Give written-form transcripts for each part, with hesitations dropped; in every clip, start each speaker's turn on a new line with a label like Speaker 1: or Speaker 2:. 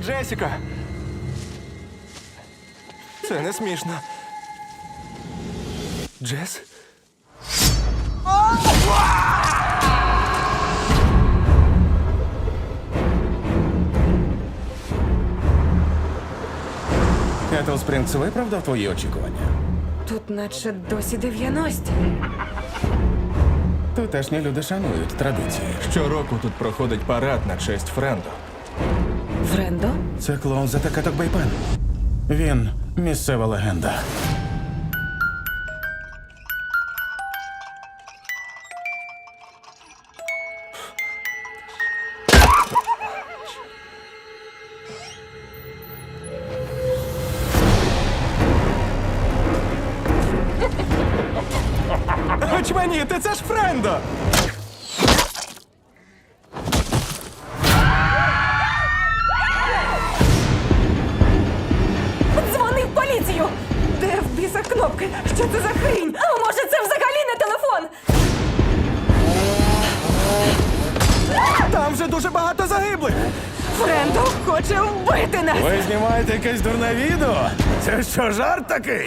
Speaker 1: Джесіка! Це не смішно. Джес?
Speaker 2: Кетл Спрінгс виправдав твої очікування?
Speaker 3: Тут наче досі 90.
Speaker 2: Тутешні люди шанують традиції.
Speaker 1: Щороку тут проходить парад на честь Френдо.
Speaker 3: Френдо?
Speaker 2: Це клоун за Такаток Бейпен. Він місцева легенда.
Speaker 1: Очманіти, це ж Френдо!
Speaker 3: Дзвони в поліцію! Де в біса кнопки? Що це за хрінь? А може це взагалі не телефон?
Speaker 1: Там вже дуже багато загиблих!
Speaker 3: Френдо хоче вбити нас!
Speaker 2: Ви знімаєте якесь дурне відео? Це що, жарт такий?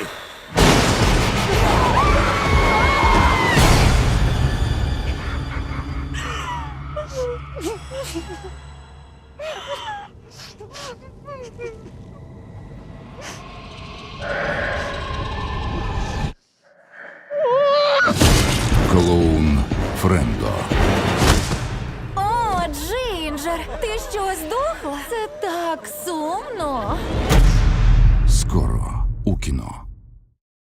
Speaker 4: Клоун Френдо.
Speaker 5: О, Джинджер, ти що, здохла? Це так сумно.